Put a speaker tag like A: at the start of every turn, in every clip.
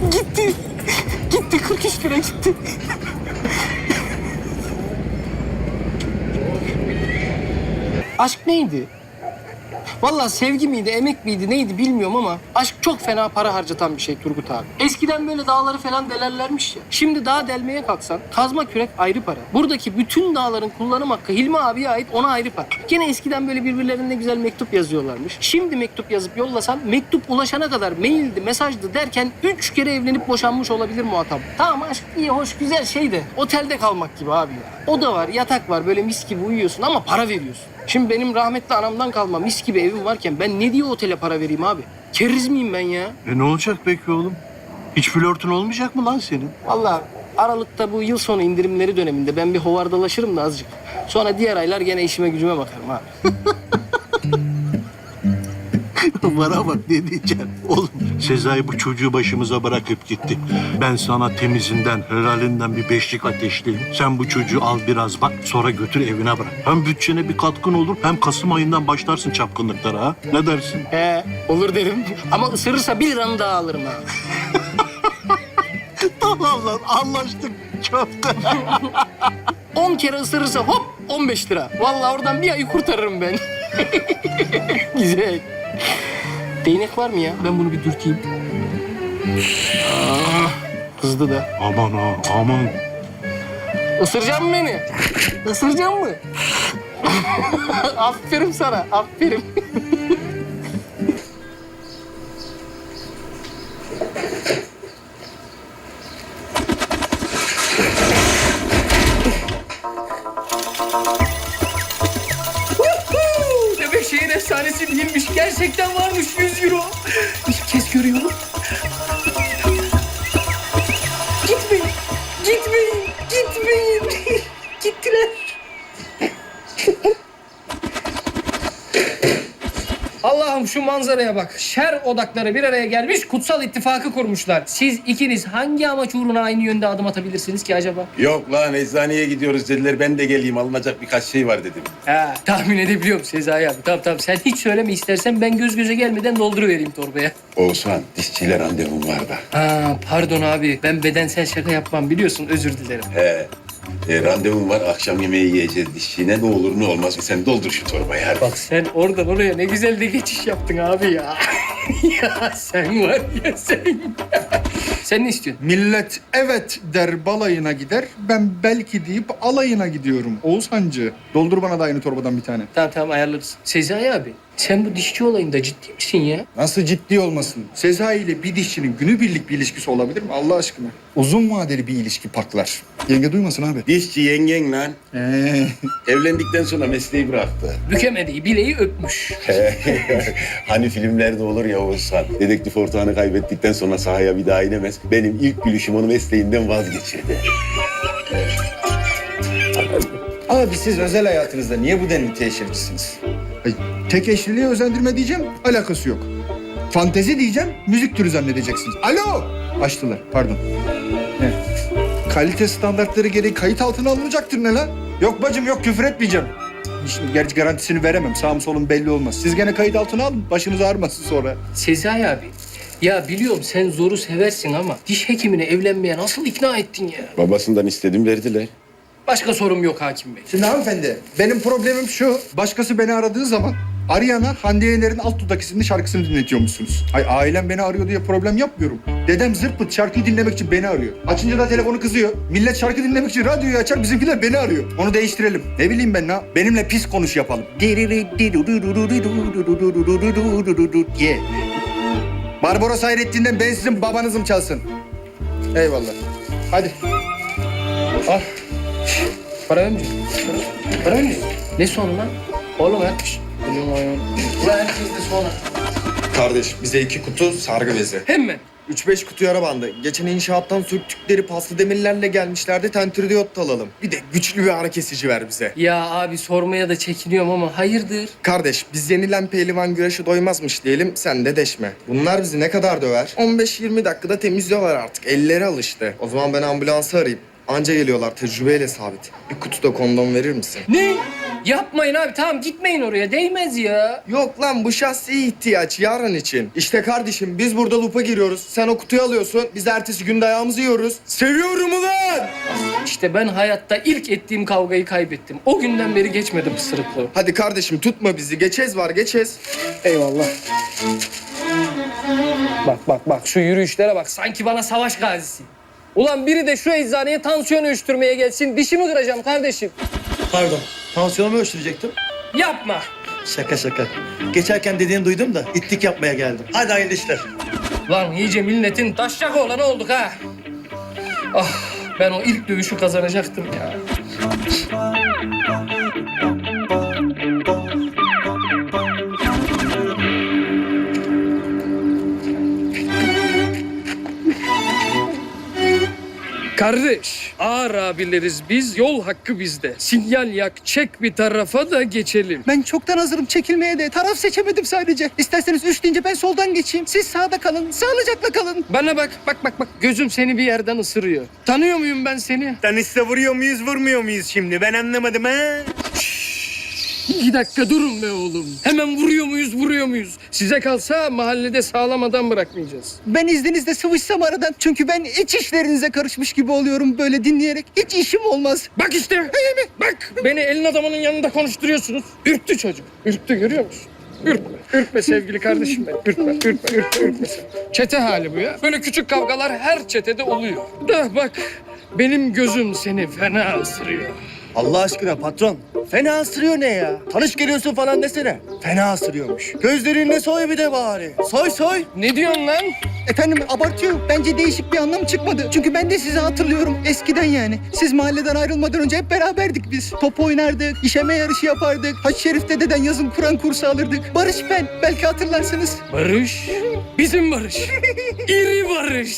A: Gitti. Gitti 43 lira gitti. Aşk neydi? Vallahi sevgi miydi, emek miydi, neydi bilmiyorum ama aşk çok fena para harcatan bir şey Turgut abi. Eskiden böyle dağları falan delerlermiş ya. Şimdi dağ delmeye kalksan kazma kürek ayrı para. Buradaki bütün dağların kullanım hakkı Hilmi abiye ait, ona ayrı para. Gene eskiden böyle birbirlerine güzel mektup yazıyorlarmış. Şimdi mektup yazıp yollasan mektup ulaşana kadar maildi, mesajdı derken 3 kere evlenip boşanmış olabilir muhatap. Tamam aşk iyi, hoş, güzel şey de otelde kalmak gibi abi ya. Oda var, yatak var, böyle mis gibi uyuyorsun ama para veriyorsun. Şimdi benim rahmetli anamdan kalma mis gibi evim varken ben ne diye otele para vereyim abi? Keriz miyim ben ya?
B: Ne olacak peki oğlum? Hiç flörtün olmayacak mı lan senin?
A: Vallahi Aralık'ta bu yıl sonu indirimleri döneminde ben bir hovardalaşırım da azıcık. Sonra diğer aylar gene işime gücüme bakarım abi.
B: Bana bak ne diyeceğim. Oğlum Sezai bu çocuğu başımıza bırakıp gitti. Ben sana temizinden, helalinden bir beşlik ateşleyeyim. Sen bu çocuğu al biraz bak, sonra götür evine bırak. Hem bütçene bir katkın olur, hem Kasım ayından başlarsın çapkınlıklara ha. Ne dersin?
A: He olur derim ama ısırırsa 1 liranı daha alırım ha.
B: Tamam lan anlaştık. Köfte.
A: 10 kere ısırırsa hop 15 lira. Vallahi oradan bir ayı kurtarırım ben. Güzel. Değnek var mı ya? Ben bunu bir dürteyim. Kızdı da.
B: Aman ha aman.
A: Isıracak mı beni? Isıracak mı? Aferin sana, aferin. Demek şehir efsanesi değilmiş. Gerçekten varmış 100 euro. İlk kez görüyorum. Gitmeyin, gitmeyin, gitmeyin. Gittiler. Allah'ım şu manzaraya bak. Şer odakları bir araya gelmiş, kutsal ittifakı kurmuşlar. Siz ikiniz hangi amaç uğruna aynı yönde adım atabilirsiniz ki acaba?
C: Yok lan eczaneye gidiyoruz dediler. Ben de geleyim alınacak birkaç şey var dedim.
A: Ha, tahmin edebiliyorum Sezai abi. Tamam sen hiç söyleme istersen ben göz göze gelmeden dolduruvereyim torbaya.
C: Oğuzhan dişçiyle randevum var da.
A: Ha, pardon abi. Ben bedensel şaka yapmam biliyorsun. Özür dilerim.
C: He. Randevum var akşam yemeği yiyeceğiz dişçiyle. Ne olur ne olmaz sen doldur şu torbayı hadi.
A: Bak sen oradan oraya ne güzel de geçiş yaptın abi ya. Ya sen var ya sen. Sen ne istiyorsun?
D: Millet evet der balayına gider. Ben belki deyip alayına gidiyorum. Oğuzhancı. Doldur bana da aynı torbadan bir tane.
A: Tamam ayarlarız. Sezai abi sen bu dişçi olayında ciddi misin ya?
D: Nasıl ciddi olmasın? Sezai ile bir dişçinin günübirlik bir ilişkisi olabilir mi Allah aşkına? Uzun vadeli bir ilişki paklar. Yenge duymasın abi.
C: Dişçi yengen lan. Evlendikten sonra mesleği bıraktı.
A: Bükemediği bileği öpmüş.
C: Hani filmlerde olur ya Oğuzhan. Dedektif ortağını kaybettikten sonra sahaya bir daha inemez. Benim ilk gülüşüm onu mesleğinden vazgeçirdi.
E: Abi siz özel hayatınızda niye bu denli teşhircisiniz?
D: Ay, tek eşliliğe özendirme diyeceğim, alakası yok. Fantezi diyeceğim, müzik türü zannedeceksiniz. Alo! Açtılar, pardon. He. Kalite standartları gereği kayıt altına alınacaktır ne lan? Yok bacım yok, küfür etmeyeceğim. Şimdi gerçi garantisini veremem, sağım solum belli olmaz. Siz gene kayıt altına alın, başınız ağrımasın sonra.
A: Sezai abi. Ya biliyorum sen zoru seversin ama diş hekimine evlenmeye nasıl ikna ettin ya?
C: Babasından istedim verdiler.
A: Başka sorum yok hakim bey.
D: Şimdi hanımefendi, benim problemim şu. Başkası beni aradığı zaman arayana Hande Yener'in Alt Dudak isimli şarkısını dinletiyormuşsunuz. Ay ailem beni arıyor diye problem yapmıyorum. Dedem zırt pırt şarkıyı dinlemek için beni arıyor. Açınca da telefonu kızıyor. Millet şarkı dinlemek için radyoyu açar, bizimkiler beni arıyor. Onu değiştirelim. Ne bileyim ben ne? Benimle pis konuş yapalım. Ye. Barbaros Hayrettin'den ben sizin babanızım çalsın. Eyvallah. Hadi.
A: Al. Para önce. Para önce. Ne sonu lan? Oğlum ha. Ulan herkes de sonra.
E: Kardeş bize 2 kutu sargı bezi.
A: Hemen.
E: 3-5 kutu yara bandı. Geçen inşaattan sürttükleri paslı demirlerle gelmişlerdi. Tentürdiyot da alalım. Bir de güçlü bir ağrı kesici ver bize.
A: Ya abi sormaya da çekiniyorum ama hayırdır?
E: Kardeş biz yenilen pehlivan güreşi doymazmış diyelim. Sen de deşme. Bunlar bizi ne kadar döver? 15-20 dakikada temizliyorlar artık. Elleri alıştı. O zaman ben ambulansı arayayım. Anca geliyorlar tecrübeyle sabit. Bir kutu da kondom verir misin?
A: Ne? Yapmayın abi, tamam gitmeyin oraya, değmez ya.
E: Yok lan bu şahsi ihtiyaç yarın için. İşte kardeşim biz burada lupa giriyoruz. Sen o kutuyu alıyorsun. Biz ertesi gün dayağımızı yiyoruz. Seviyorum ulan!
A: İşte ben hayatta ilk ettiğim kavgayı kaybettim. O günden beri geçmedi pısırıklığı.
E: Hadi kardeşim tutma bizi. Geçez var geçez.
A: Eyvallah. Bak şu yürüyüşlere bak, sanki bana savaş gazisi. Ulan biri de şu eczaneye tansiyon ölçtürmeye gelsin, dişimi kıracağım kardeşim.
F: Pardon, tansiyonumu ölçtürecektim.
A: Yapma.
F: Şaka şaka. Geçerken dediğini duydum da itlik yapmaya geldim. Hadi hayırlı işler.
A: Lan iyice milletin taşacak olanı olduk ha. Ah, ben o ilk dövüşü kazanacaktım ya. Kardeş, ağır abileriz biz, yol hakkı bizde. Sinyal yak, çek bir tarafa da geçelim.
G: Ben çoktan hazırım çekilmeye de. Taraf seçemedim sadece. İsterseniz 3 deyince ben soldan geçeyim. Siz sağda kalın. Sağlıcakla kalın.
A: Bana bak. Gözüm seni bir yerden ısırıyor. Tanıyor muyum ben seni?
H: Tanışsa vuruyor muyuz, vurmuyor muyuz şimdi? Ben anlamadım ha.
A: 2 dakika durun be oğlum. Hemen vuruyor muyuz? Size kalsa mahallede sağlam adam bırakmayacağız.
G: Ben izninizle sıvışsam aradan. Çünkü ben iç işlerinize karışmış gibi oluyorum böyle dinleyerek. Hiç işim olmaz.
A: Bak işte. Bak. Beni elin adamının yanında konuşturuyorsunuz. Ürktü çocuk. Ürktü, görüyor musun? Ürkme sevgili kardeşim benim. Ürkme sen. Çete hali bu ya. Böyle küçük kavgalar her çetede oluyor. Da bak, benim gözüm seni fena ısırıyor.
F: Allah aşkına patron. Fena ısırıyor ne ya? Tanış geliyorsun falan desene. Fena ısırıyormuş. Gözlerinle soy bir de bari. Soy.
A: Ne diyorsun lan?
G: Efendim abartıyor. Bence değişik bir anlam çıkmadı. Çünkü ben de sizi hatırlıyorum. Eskiden yani. Siz mahalleden ayrılmadan önce hep beraberdik biz. Top oynardık, işeme yarışı yapardık. Haç Şerif dededen yazın Kur'an kursu alırdık. Barış ben. Belki hatırlarsınız.
A: Barış. Bizim Barış. İri Barış.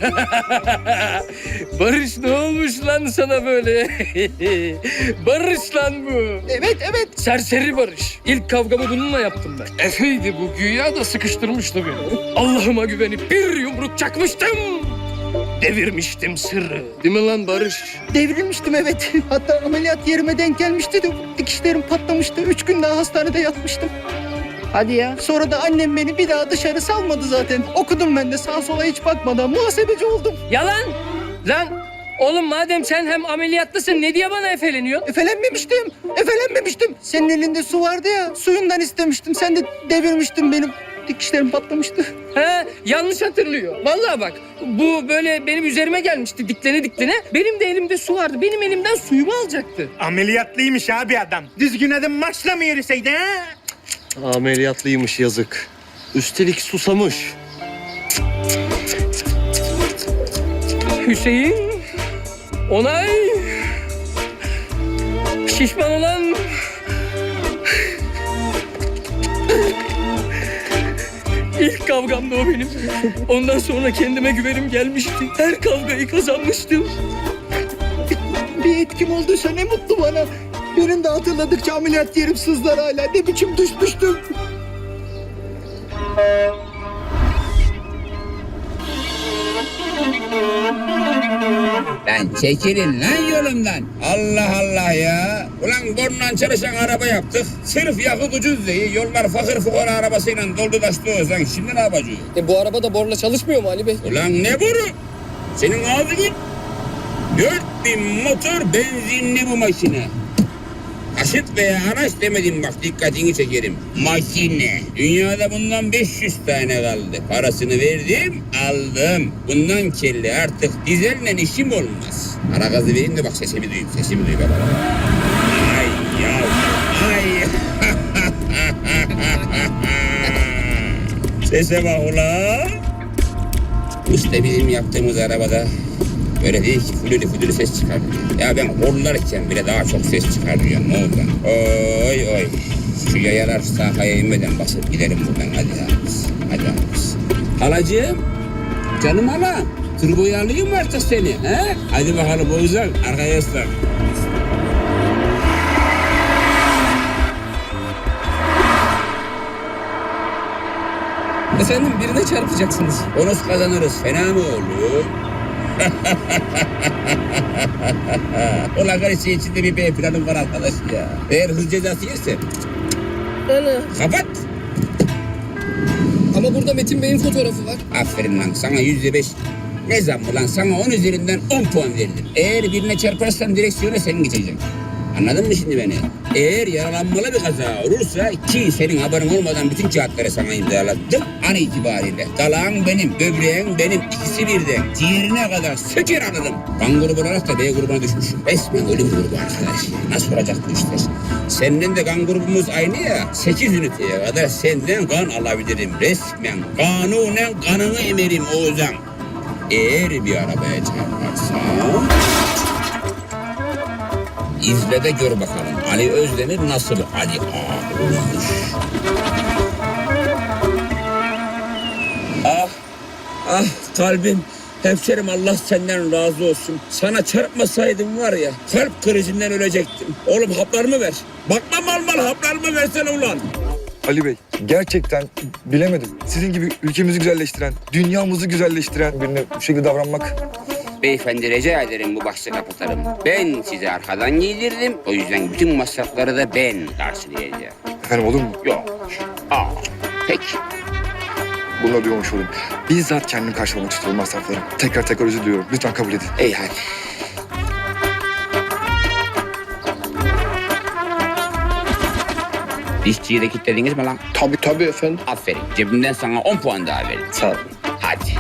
A: Barış ne olmuş lan sana böyle? Barış lan bu.
G: Evet.
A: Serseri Barış. İlk kavgamı bununla yaptım ben. Efeydi bu, güya da sıkıştırmıştı beni. Allah'ıma güvenip bir yumruk çakmıştım. Devirmiştim sırrı. Değil mi lan Barış?
G: Devrilmiştim evet. Hatta ameliyat yerime denk gelmişti de dikişlerim patlamıştı. 3 gün daha hastanede yatmıştım.
A: Hadi ya.
G: Sonra da annem beni bir daha dışarı salmadı zaten. Okudum ben de sağa sola hiç bakmadan muhasebeci oldum.
A: Yalan. Lan oğlum, madem sen hem ameliyatlısın, ne diye bana efeleniyorsun?
G: Efelenmemiştim. Senin elinde su vardı ya, suyundan istemiştim. Sen de devirmiştin benim. Dikişlerim patlamıştı.
A: He, yanlış hatırlıyor. Vallahi bak, bu böyle benim üzerime gelmişti diklene. Benim de elimde su vardı. Benim elimden suyumu alacaktı.
H: Ameliyatlıymış abi adam. Düzgün adım maçla mı yürüseydi ha?
F: Ameliyatlıymış yazık. Üstelik susamış.
A: Hüseyin, onay, şişman olan... İlk kavgamda o benim. Ondan sonra kendime güvenim gelmişti. Her kavgayı kazanmıştım.
G: Bir etkim olduysa ne mutlu bana. Benim de hatırladıkça ameliyat yerim sızlar hala. Ne biçim düşmüştüm.
I: Lan çekilin lan yolumdan. Allah Allah ya. Ulan borundan çalışan araba yaptık. Sırf yakıt ucuz diye yollar fakir fukara arabasıyla doldu taştı o zaman. Şimdi ne yapacağız?
A: Bu araba da borla çalışmıyor mu Ali Bey?
I: Ulan ne boru? Senin ağzın 4000 motor benzinli bu makine. Taşıt veya araç demedim bak, dikkatini çekerim. Makine. Dünyada bundan 500 tane kaldı. Parasını verdim, aldım. Bundan kelli artık dizelle işim olmaz. Ara gazı vereyim de bak sesimi duyayım baba. Ay ya, ay. Sese bak ulan. İşte bizim yaptığımız arabada böyle değil ki, fülülü ses çıkarmıyor. Ya ben horlarken bile daha çok ses çıkarmıyorum, ne oldu? Oy. Şu yayalar sahaya inmeden basıp gidelim buradan, hadi abimiz. Halacığım, canım hala, turboyu alayım mı artık seni? He? Hadi bakalım Oğuzhan, arkaya ıslan.
A: Efendim, birine çarpacaksınız.
I: Bonus kazanırız, fena mı olur? Ulan karışı içinde bir B planım var arkadaş ya. Eğer hız cezası yerse kapat.
A: Ama burada Metin Bey'in fotoğrafı var.
I: Aferin lan sana %5. Ne zammı lan sana 10 üzerinden 10 puan verilir. Eğer birine çarparsan direksiyona sen geçeceksin. Anladın mı şimdi beni? Eğer yaralanmalı bir kaza olursa ki senin haberin olmadan bütün kağıtları sana imzalattım an itibariyle. Dalağın benim, böbreğin benim, ikisi birden. Ciğerine kadar söker alırım. Kan grubu olarak da B grubuna düşmüşüm. Resmen ölüm grubu arkadaş. Nasıl olacak bu işler? Senden de kan grubumuz aynı ya. 8 üniteye kadar senden kan alabilirim. Resmen kanunen kanını emerim Oğuzhan. Eğer bir arabaya çarparsam... İzle de gör bakalım Ali Özdemir nasıl Ali Ağa olmuş. Ah kalbim. Hemşerim Allah senden razı olsun. Sana çarpmasaydım var ya kalp krizinden ölecektim. Oğlum haplarımı ver. Bakma mal haplarımı versene ulan.
J: Ali Bey, gerçekten bilemedim. Sizin gibi ülkemizi güzelleştiren, dünyamızı güzelleştiren birine bu şekilde davranmak...
I: Beyefendi rica ederim bu bahsi kapatalım. Ben size arkadan giydirdim. O yüzden bütün masrafları da ben karşılayacağım.
J: Efendim olur mu?
I: Yok. Peki.
J: Bununla duymamış olayım. Bizzat kendim karşılamak istiyorum masrafları. Tekrar özür diliyorum. Lütfen kabul edin.
I: İyi hadi. Dişçiyi de kilitlediniz mi lan?
A: Tabii efendim.
I: Aferin. Cebimden sana 10 puan daha verdim.
A: Sağ olun.
I: Hadi.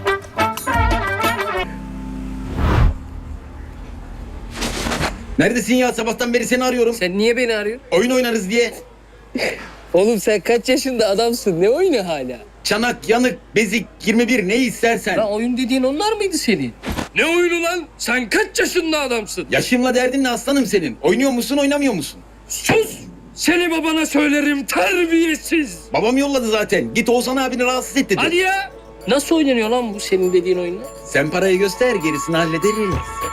E: Neredesin ya? Sabahtan beri seni arıyorum.
A: Sen niye beni arıyorsun?
E: Oyun oynarız diye.
A: Oğlum sen kaç yaşında adamsın? Ne oyunu hala?
E: Çanak, yanık, bezik, 21 ne istersen.
A: Lan oyun dediğin onlar mıydı senin? Ne oyunu lan? Sen kaç yaşında adamsın?
E: Yaşımla derdin ne aslanım senin? Oynuyor musun, oynamıyor musun?
A: Sus! Seni babana söylerim terbiyesiz.
E: Babam yolladı zaten. Git Oğuzhan abini rahatsız et dedi.
A: Hadi ya! Nasıl oynanıyor lan bu senin dediğin oyunlar?
E: Sen parayı göster, gerisini hallederiz.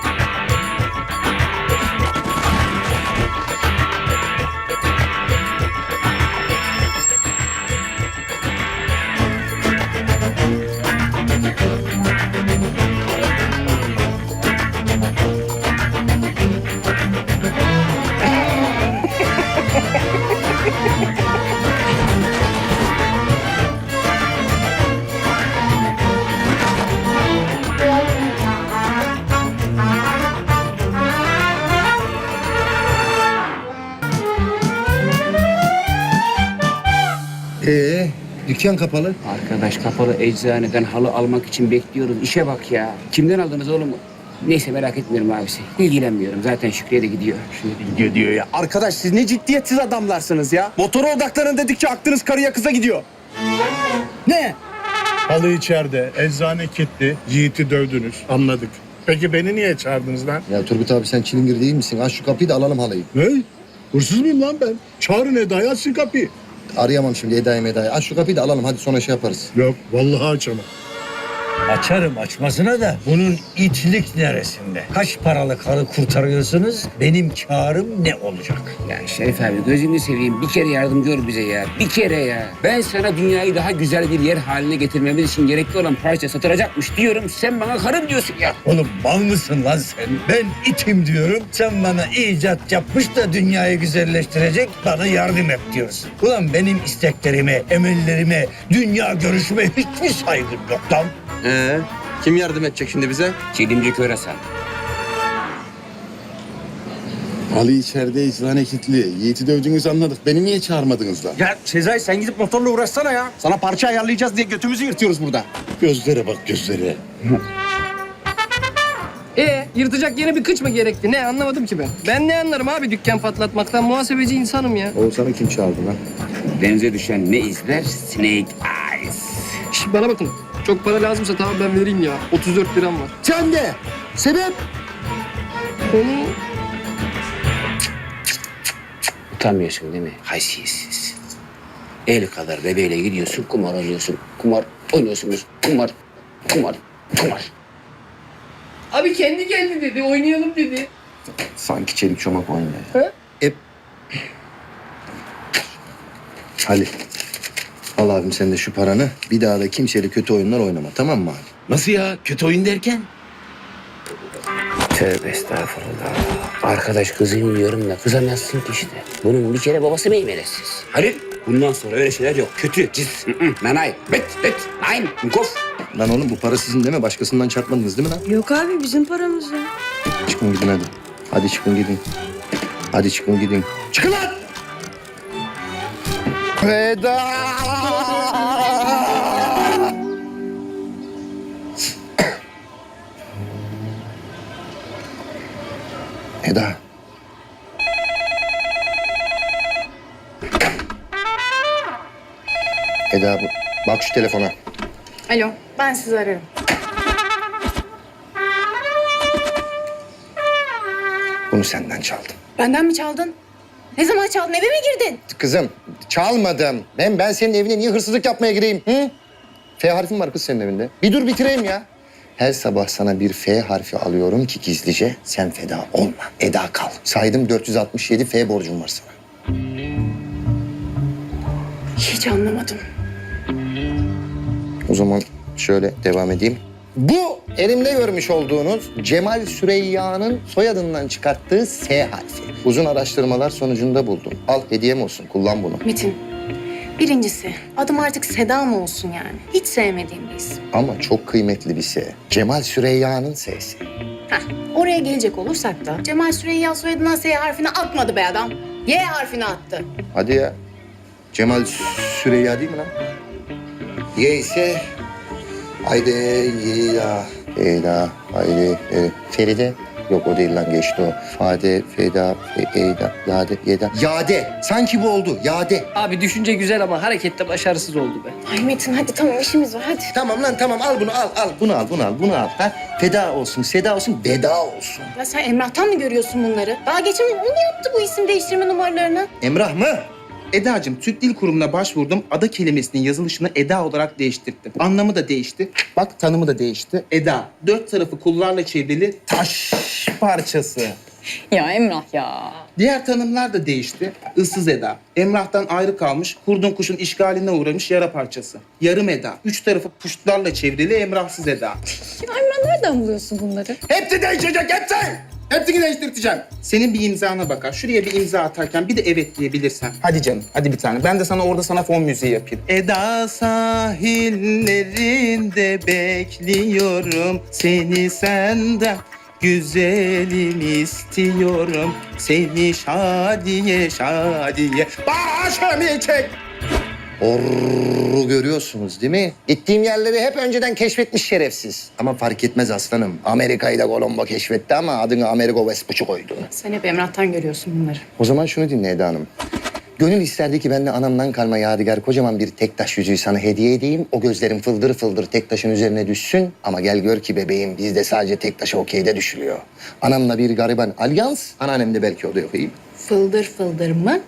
F: Dükkan kapalı.
I: Arkadaş kapalı eczaneden halı almak için bekliyoruz. İşe bak ya. Kimden aldınız oğlum? Neyse merak etmiyorum abisi. İlgilenmiyorum. Zaten Şükrü'ye de gidiyor.
F: Gidiyor ya. Arkadaş siz ne ciddiyetsiz adamlarsınız ya. Motora odaklanın dedikçe aklınız karıya kıza gidiyor. Ne?
B: Halı içeride, eczane kilitli, Yiğit'i dövdünüz. Anladık. Peki beni niye çağırdınız lan?
F: Ya Turgut abi sen çilingir değil misin? Aç şu kapıyı da alalım halıyı.
B: Ne? Hırsız mıyım lan ben? Çağırın Eda'yı, açsın kapıyı.
F: Arayamam şimdi Eda'yı. Aç şu kapıyı da alalım hadi sonra şey yaparız.
B: Yok, vallahi açamam.
K: Açarım açmasına da bunun itlik neresinde? Kaç paralık karı kurtarıyorsunuz? Benim karım ne olacak?
I: Ya Şerif abi gözünü seveyim. Bir kere yardımcı ol bize ya. Bir kere ya. Ben sana dünyayı daha güzel bir yer haline getirmemiz için gerekli olan parça satılacakmış diyorum. Sen bana karım diyorsun ya.
K: Oğlum mal mısın lan sen? Ben itim diyorum. Sen bana icat yapmış da dünyayı güzelleştirecek bana yardım et diyorsun. Ulan benim isteklerime, emellerime, dünya görüşüme hiçbir saygın yok lan.
E: Kim yardım edecek şimdi bize?
I: Çelimci Körasan.
C: Ali içeride eczane kilitli. Yiğit'i dövdüğünüzü anladık. Beni niye çağırmadınız lan?
F: Ya Sezai sen gidip motorla uğraşsana ya. Sana parça ayarlayacağız diye götümüzü yırtıyoruz burada.
C: Gözlere bak gözlere.
A: Yırtacak yeni bir kıç mı gerekti? Ne anlamadım ki ben. Ben ne anlarım abi dükkan patlatmaktan? Muhasebeci insanım ya.
F: Oğuzhan'ı kim çağırdı lan?
I: Denize düşen ne izler? Snake Eyes.
A: Şş, bana bakın. Çok para lazımsa tamam ben vereyim ya. 34 liram var.
F: Sen de. Sebep?
I: Utanmıyorsun değil mi? Haysiyetsiz. El kadar bebeğiyle gidiyorsun, kumar oynuyorsun. Kumar oynuyorsunuz. Kumar.
A: Abi kendi geldi dedi. Oynayalım dedi.
F: Sanki çelik çomak oynuyor.
A: He?
F: Ali. Al abim sen de şu paranı. Bir daha da kimseyle kötü oyunlar oynama tamam mı abi?
E: Nasıl ya? Kötü oyun derken?
I: Tövbe estağfurullah. Arkadaş kızayım diyorum da kızamazsın ki işte. Bunun bir kere babası meymelesiz. Halil bundan sonra öyle şeyler yok. Kötü, cis, nanay, bet, nein, kof.
E: Lan oğlum bu para sizin değil mi? Başkasından çarpmadınız değil mi lan?
L: Yok abi bizim paramız ya.
E: Çıkın gidin hadi. Hadi çıkın gidin. Hadi çıkın gidin. Çıkın lan! Veda! Eda. Eda bak şu telefona.
L: Alo ben sizi ararım.
E: Bunu senden çaldım.
L: Benden mi çaldın? Ne zaman çaldın? Eve mi girdin?
E: Kızım çalmadım. Ben senin evine niye hırsızlık yapmaya gireyim? Hı? F harfin var kız senin evinde. Bir dur bitireyim ya. Her sabah sana bir F harfi alıyorum ki gizlice sen feda olma. Eda kal. Saydım 467 F borcum var sana.
L: Hiç anlamadım.
E: O zaman şöyle devam edeyim. Bu elimde görmüş olduğunuz Cemal Süreyya'nın soyadından çıkarttığı S harfi. Uzun araştırmalar sonucunda buldum. Al hediyem olsun, kullan bunu.
L: Metin, birincisi adım artık Seda mı olsun yani? Hiç sevmediğim bir isim.
E: Ama çok kıymetli bir S. Cemal Süreyya'nın S'si.
L: Heh, oraya gelecek olursak da Cemal Süreyya soyadından S harfini atmadı be adam. Y harfini attı.
E: Hadi ya. Cemal Süreyya değil mi lan? Y ise... Haydi ya. Feda, haydi, Feride. Yok o değil lan geçti o. Fade, Feda, Eyda, Yade, Yeda. Yade. Sanki bu oldu. Yade.
A: Abi düşünce güzel ama harekette başarısız oldu be.
L: Ay Metin hadi tamam işimiz var hadi.
E: Tamam lan tamam al bunu al. Bunu al bunu al. Ha? Feda olsun, seda olsun, veda olsun.
L: Ya sen Emrah'tan mı görüyorsun bunları? Daha geçen gün o mu yaptı bu isim değiştirme numaralarını?
E: Emrah mı?
M: Eda'cığım Türk Dil Kurumu'na başvurdum. Ada kelimesinin yazılışını Eda olarak değiştirdim. Anlamı da değişti. Bak tanımı da değişti. Eda, 4 tarafı kullarla çevrili taş parçası.
L: Ya Emrah ya.
M: Diğer tanımlar da değişti. Issız Eda, Emrah'tan ayrı kalmış, kurdun kuşun işgaline uğramış yara parçası. Yarım Eda, 3 tarafı puştlarla çevrili Emrahsız Eda.
L: Ya Emrah nereden buluyorsun bunları?
M: Hepsi değişecek, hepsi! Hepsini değiştireceğim. Senin bir imzana bakar. Şuraya bir imza atarken bir de evet diyebilirsen. Hadi canım, hadi bir tane. Ben de sana orada sana fon müziği yapayım. Eda sahillerinde bekliyorum. Seni senden güzelim istiyorum. Seni şadiye şadiye başımı çek.
E: Orru görüyorsunuz değil mi? Gittiğim yerleri hep önceden keşfetmiş şerefsiz. Ama fark etmez aslanım. Amerika'yı da Colombo keşfetti ama adını Amerigo Vespucci koydu.
L: Sen hep Emrah'tan görüyorsun bunları.
E: O zaman şunu dinle Eda Hanım. Gönül isterdi ki ben de anamdan kalma yadigar kocaman bir tek taş yüzüğü sana hediye edeyim. O gözlerin fıldır fıldır tek taşın üzerine düşsün. Ama gel gör ki bebeğim bizde sadece tek taşa okeyde düşülüyor. Anamla bir gariban alyans, anneannem de belki o da yok iyi.
L: Fıldır fıldır mı?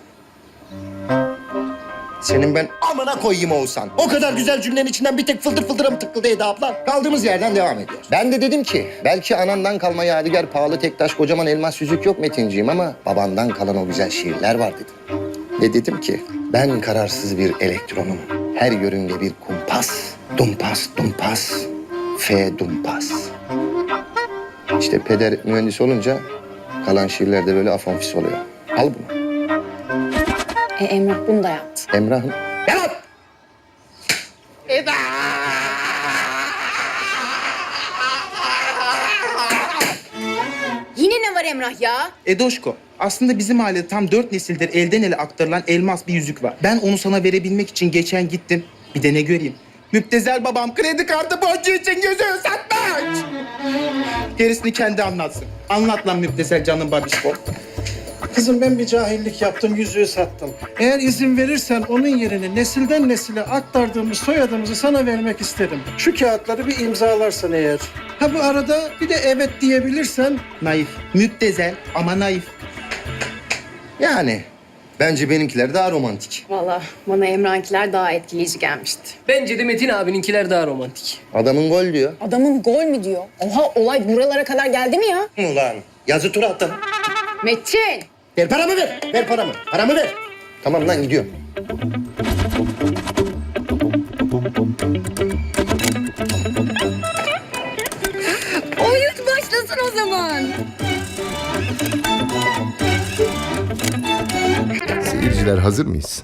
E: Senin ben amına koyayım Oğuzhan. O kadar güzel cümlenin içinden bir tek fıldır fıldıra mı tıkıldı Eda abla? Kaldığımız yerden devam ediyoruz. Ben de dedim ki belki anandan kalma yadigar pahalı tek taş kocaman elmas yüzük yok Metinciğim ama babandan kalan o güzel şiirler var dedim. Ve dedim ki ben kararsız bir elektronum. Her yörünge bir kumpas. Dumpas dumpas. F dumpas. İşte peder mühendis olunca kalan şiirler de böyle afonfis oluyor. Al bunu.
L: Emrah bunu da yaptı.
E: Emrah'ın... Yalan!
M: Eda!
L: Yine ne var Emrah ya?
M: Edoşko, aslında bizim ailede tam 4 nesildir elden ele aktarılan elmas bir yüzük var. Ben onu sana verebilmek için geçen gittim. Bir de ne göreyim? Müptezel babam kredi kartı borcu için yüzüğü satmış. Gerisini kendi anlatsın. Anlat lan müptezel canım babişko.
N: Kızım ben bir cahillik yaptım, yüzüğü sattım. Eğer izin verirsen onun yerine nesilden nesile aktardığımız soyadımızı sana vermek isterim. Şu kağıtları bir imzalarsan eğer. Ha bu arada bir de evet diyebilirsen.
M: Naif. Müptezel ama naif.
E: Yani bence benimkiler daha romantik.
L: Vallahi bana Emrah'ınkiler daha etkileyici gelmişti.
A: Bence de Metin abininkiler daha romantik.
E: Adamın gol diyor.
L: Adamın gol mü diyor? Oha olay buralara kadar geldi mi ya?
E: Ulan yazı tura attın.
L: Metin!
E: Ver paramı ver. Ver paramı. Paramı ver. Tamam lan gidiyorum.
L: Oyun başlasın o zaman.
O: Beyler hazır mıyız?